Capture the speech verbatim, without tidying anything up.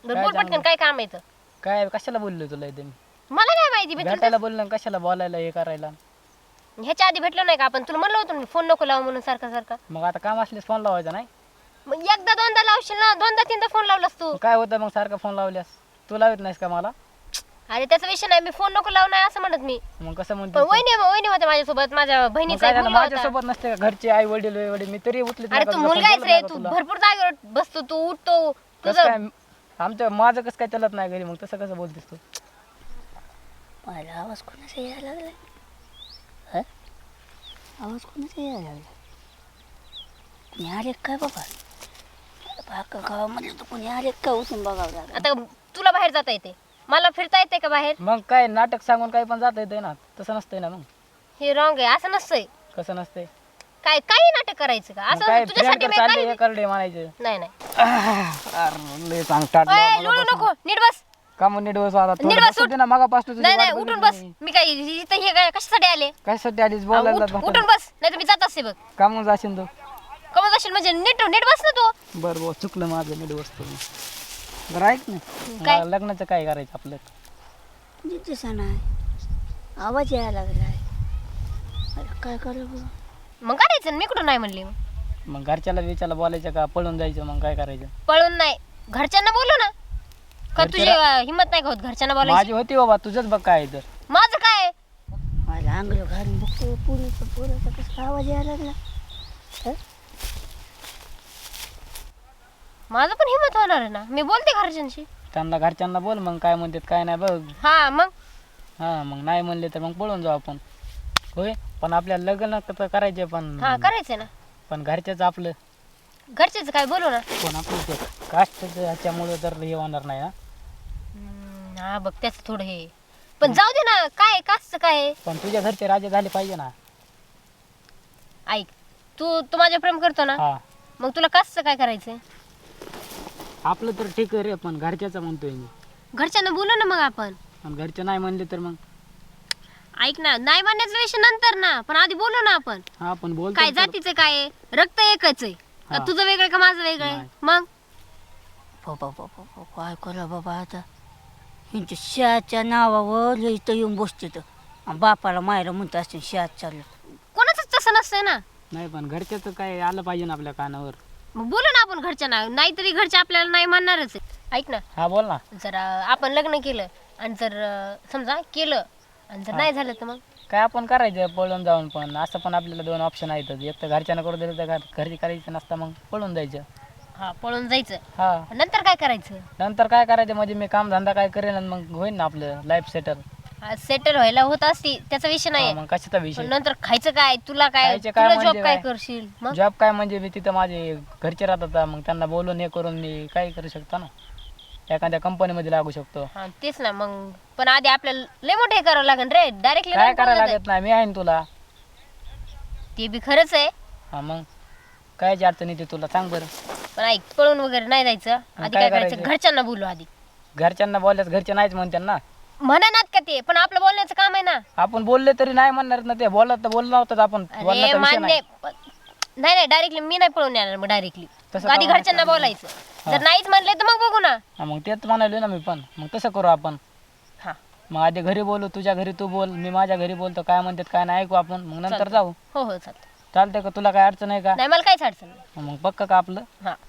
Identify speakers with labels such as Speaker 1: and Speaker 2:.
Speaker 1: बरं बोल पटकन, काय काम आहे इथं?
Speaker 2: काय कशाला बोललो तुला इथे मी?
Speaker 1: मला काय माहिती, मी तुला
Speaker 2: भेटायला बोललो आणि कशाला बोलायला हे करायला?
Speaker 1: ह्याच्या आधी भेटलो नाही का आपण? तुला म्हणलं होतं फोन नको लावू म्हणून सारखा सारखा.
Speaker 2: मग आता काम असल्यास फोन लावायचा नाही?
Speaker 1: मग एकदा दोनदा लावशील ना, दोनदा तीनदा फोन लावलास तू.
Speaker 2: मग काय होतं मग सारखा फोन लावल्यास? तू लावत नाहीस का मला?
Speaker 1: अरे त्याचा विषय नाही, मी फोन नको लावू नाही असं म्हणत मी.
Speaker 2: मग कसं
Speaker 1: पण
Speaker 2: म्हणतो?
Speaker 1: वहिनी वहिनी होते माझ्यासोबत, माझ्या बहिणीचा एक मुलगा होता.
Speaker 2: माझ्यासोबत नसते का? घरचे आई वडील वडील मी तरी उचलत
Speaker 1: अरे तू मुलगा आहेस रे, तू भरपूर जागेवर बसतो, तू उठतो तुझं.
Speaker 2: काय आमच्या माझं कसं काय चलत नाही घरी, मग तसं कसं बोलतेस तू?
Speaker 3: मला आवाज कोणाचा यायला लागलाय? हं? आवाज कोणाचा यायला लागला? कोणी आले काय बाबा? बाका गावामध्ये तर कोणी आले काय उठून बघावं लागलं.
Speaker 1: आता तुला बाहेर जाता येते, मला फिरता येते का बाहेर?
Speaker 2: मग काय नाटक सांगून काही पण जाता येते ना, तसं नसतंय ना. मग
Speaker 1: हे रॉंग आहे, असं नसतंय.
Speaker 2: कसं नसतंय?
Speaker 1: काय काही नाटक करायचं का
Speaker 2: मग
Speaker 1: असं?
Speaker 2: काय
Speaker 1: तुझ्यासाठी
Speaker 2: फ्रेंड
Speaker 1: मी
Speaker 2: चालले
Speaker 1: काही-
Speaker 2: करडे म्हणायचं?
Speaker 1: नाही नाही.
Speaker 2: अरे लय सांगतात
Speaker 1: ओय, लोळू नको, नीट बस.
Speaker 2: का मग नीट बस आता
Speaker 1: नीट
Speaker 2: थोडं
Speaker 1: बस,
Speaker 2: बसू दे ना, मगापासून तुझी
Speaker 1: नाही नाही,
Speaker 2: वाट
Speaker 1: उठून
Speaker 2: बघितली
Speaker 1: बस.
Speaker 2: मी.
Speaker 1: मी काय इथं हे काय कशासाठी आले?
Speaker 2: कशासाठी आलीस
Speaker 1: हा,
Speaker 2: बोलायला?
Speaker 1: उठ- उठून बस, नाही तर मी जात असते बघ.
Speaker 2: का मग जाशील तू?
Speaker 1: कमत असेल म्हणजे नीट नीट बस ना तू.
Speaker 2: बरं बरं चुकलं माझं, नीट बसतो मी. बरं ऐक ना,
Speaker 1: काय?
Speaker 2: मला लग्नाचं काय करायचं आपलं?
Speaker 3: दिसा नाही आवाज यायला लागलाय. अरे काय करावं?
Speaker 1: मग करायचं ना, मी कुठं नाही म्हणली. मग
Speaker 2: मग घरच्याला विचारला बोलायचं का पळून जायचं? मग काय करायचं?
Speaker 1: पळून नाही, घरच्यांना बोलू ना. का तुझी
Speaker 2: घरच्याला-
Speaker 1: अं, हिंमत नाही का होत घरच्यांना बोलायची?
Speaker 2: माझी होती बाबा, तुझंच बघ काय आहे तर.
Speaker 1: माझं काय?
Speaker 3: मला अंगलं घालून बघतो पुरीचा पुराचा कसा आवाज यायला लागला. हं?
Speaker 1: माझं पण हिंमत होणार आहे ना, मी बोलते घरच्यांशी.
Speaker 2: त्यांना घरच्यांना बोल, मग काय म्हणतात काय नाही बघ.
Speaker 1: हा मग
Speaker 2: हा मग नाही म्हणले तर मग पळून जाऊ आपण. होय पण आपल्याला लग्न तर करायचे, पण
Speaker 1: हा करायचंय ना.
Speaker 2: पण घरच्याच आपलं
Speaker 1: घरचेच काय बोलू ना.
Speaker 2: पण आपलं कास्ट ह्याच्यामुळे तर हे होणार नाही ना.
Speaker 1: हम्म, हा बघ त्याच थोडं हे, पण जाऊ दे ना. काय काच काय?
Speaker 2: पण तुझ्या घरचे राजे झाले पाहिजे ना.
Speaker 1: ऐक, तू तू माझ्या प्रेम करतो ना,
Speaker 2: हा
Speaker 1: मग तुला काच काय करायचंय?
Speaker 2: आपलं तर ठीक आहे रे, पण घरच्याचं म्हणतोय मी.
Speaker 1: घरच्यांना बोलू ना मग आपण.
Speaker 2: पण घरचे नाही म्हणले तर मग?
Speaker 1: ऐक ना, नाही म्हणण्याचा विषय नंतर ना, पण आधी बोलू ना आपण.
Speaker 2: हा पण बोल
Speaker 1: काय जातीचं काय आहे? रक्त एकच आहे का?
Speaker 2: हा.
Speaker 1: तुझं वेगळं का माझं वेगळं आहे?
Speaker 2: नाही.
Speaker 1: मग
Speaker 3: बाबा बाबा बाबा काय करा बाबा आता. ह्यांच्या शाच्या नावावर इथं येऊन बसते तर आणि बापाला मायला म्हणत असते शात चाललं.
Speaker 1: कोणाचंच तसं नसतंय ना.
Speaker 2: नाही पण घरच्याचं काय आलं पाहिजे ना आपल्या कानावर.
Speaker 1: मग बोलू ना आपण घरच्यांना, नाहीतरी घरचे आपल्याला नाही म्हणणारच आहे. ऐक ना,
Speaker 2: हा बोल ना.
Speaker 1: जर अं, आपण लग्न केलं आणि जर अं, समजा केलं आणि जर नाही झालं तर मग
Speaker 2: काय आपण करायचं पळून जाऊन? पण असं पण आपल्याला दोन ऑप्शन आहेत, एक तर घरच्यांना करू दिलं तर घर- घरी करायचं नसतं, मग पळून जायचं.
Speaker 1: हा पळून जायचं.
Speaker 2: हा
Speaker 1: नंतर काय करायचं?
Speaker 2: नंतर काय करायचं म्हणजे मी काम धंदा काय करेन आणि मग होईल ना आपलं लाईफ सेटल.
Speaker 1: सेटल व्हायला होत असती, त्याचा विषय नाही.
Speaker 2: मग कशाचा
Speaker 1: पण
Speaker 2: विषय?
Speaker 1: नंतर खायचं काय? तुला काय?
Speaker 2: खायचं काय
Speaker 1: तुला
Speaker 2: म्हणजे
Speaker 1: जॉब काय
Speaker 2: काय?
Speaker 1: करशील मग?
Speaker 2: जॉब काय म्हणजे मी तिथं माझे घरचे राहतात, मग त्यांना बोलून हे करून मी काय करू शकतो ना, एखाद्या कंपनीमध्ये लागू शकतो.
Speaker 1: हा तेच ना. मग पण आधी आपल्याला लय मोठं हे करावं लागेल रे, डायरेक्टली
Speaker 2: काय करायला लागत नाही, मी आहे ना तुला.
Speaker 1: ते बी खरंच आहे.
Speaker 2: हा मग कायची अडचण येते तुला सांग बरं.
Speaker 1: पण ऐक, पळून वगैरे नाही जायचं. आधी
Speaker 2: काय
Speaker 1: काय करायचं?
Speaker 2: करायचं?
Speaker 1: घरच्यांना बोलू आधी.
Speaker 2: घरच्यांना बोलल्यास घरचे नाहीच म्हणतात ना.
Speaker 1: म्हणा का ते, पण आपलं बोलण्याचं काम आहे ना.
Speaker 2: आपण बोलले तरी नाही म्हणणार ना ते. बोलत तर बोललो होतं आपण,
Speaker 1: अरे
Speaker 2: बोलण्याचा विषय
Speaker 1: मान्य,
Speaker 2: नाही.
Speaker 1: पण- नाही नाही डायरेक्टली मी नाही पळून येणार. मग डायरेक्टली
Speaker 2: तसं
Speaker 1: आधी
Speaker 2: का
Speaker 1: घरच्यांना बोलायचं. जर नाहीच म्हणले तर मग बघू ना.
Speaker 2: हा, मग तेच म्हणाले ना मी पण. मग तसं करू आपण.
Speaker 1: हा
Speaker 2: मग आधी घरी बोलू, तुझ्या घरी तू बोल, मी माझ्या घरी बोलतो, काय म्हणतात काय नाही ऐकू आपण, मग नंतर जाऊ.
Speaker 1: हो हो चालतं.
Speaker 2: चालतंय का? तुला काय अडचण आहे का?
Speaker 1: नाही मला काहीच अडचण नाही.
Speaker 2: मग पक्क का आपलं?
Speaker 1: हा